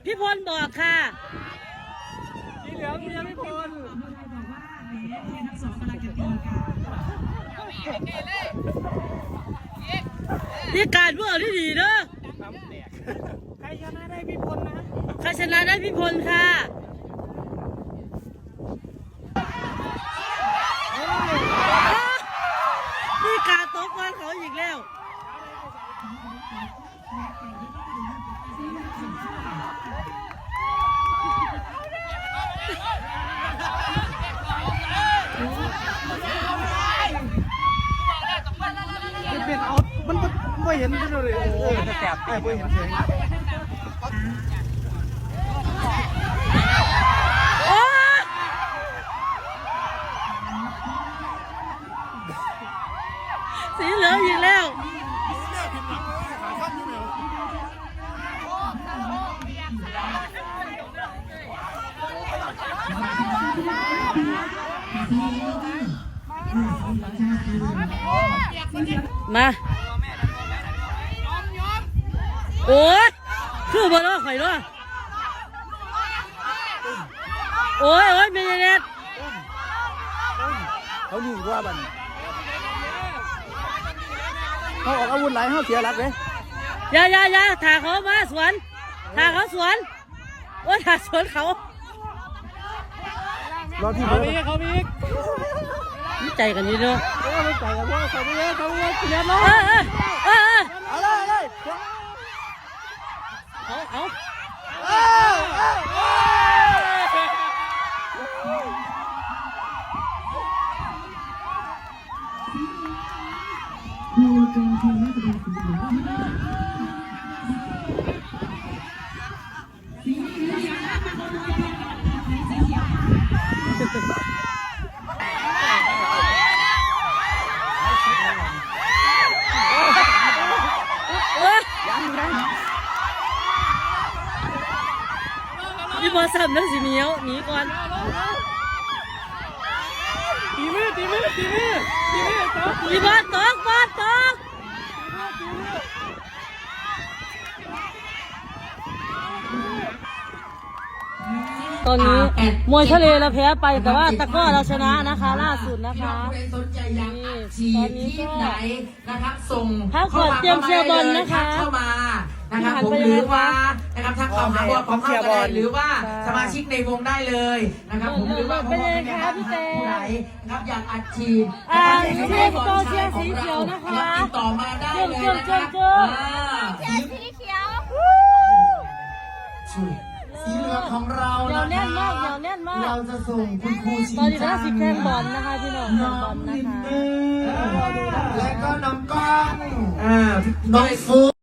พี่พลบอกค่ะสีเหลืองเชียร์พี่พลนี่การเมื่อที่ดีเนอะใครชนะได้พี่พลนะใครชนะได้พี่พลค่ะนี่การตกวันเขาอีกแล้วเป็นเอามันไม่เห็นเลยแสบไอ้ไม่เห็นเสียงสีเหลืองอีกแล้วมาโอ้ยคือบอลล้อข่อยล้อโอ้ยไม่ได้เน็ตเขาดีกว่าบันเขาออกอาวุธไหลเขาเสียหลักเลยอย่าถ่าเขามาสวนถ่าเขาสวนโอ้ยถ่าสวนเขารอที่เขามีนี่ใจกันนี่เนาะไม่ใจกันว่าเขาไม่เขาเสียน้องอะไรพี่บอลซ้ำแล้วสิเมียวหนีก่อนตีมือพี่บอลตกตอนนี้มวยทะเลเราแพ้ไปแต่ว่าตะก้อเราชนะนะคะล่าสุดนะคะสนใจอยากอัดฉีดที่ไหนนะครับส่งเข้ามาเตรียมเชียร์บอลนะคะเข้ามานะครับผมหรือว่านะครับทักเข้าหาบอลของเข้าก็ได้หรือว่าสมาชิกในวงได้เลยนะครับผมหรือว่าเป็นเลยค่ะพี่เต้ผู้ใดนะครับอยากอัดฉีดเชียร์โตเชียร์สีเขียวนะคะติดต่อมาได้เลยนะครับเชียร์สีเขียวสีเหลืองของเราเดี๋ยวแน่นมากเราจะส่งคุณครูชิงตอนนี้ต้องสิแข่งบอลนะคะพี่น้องบอลนะคะและก็น้องก้องน้องฟู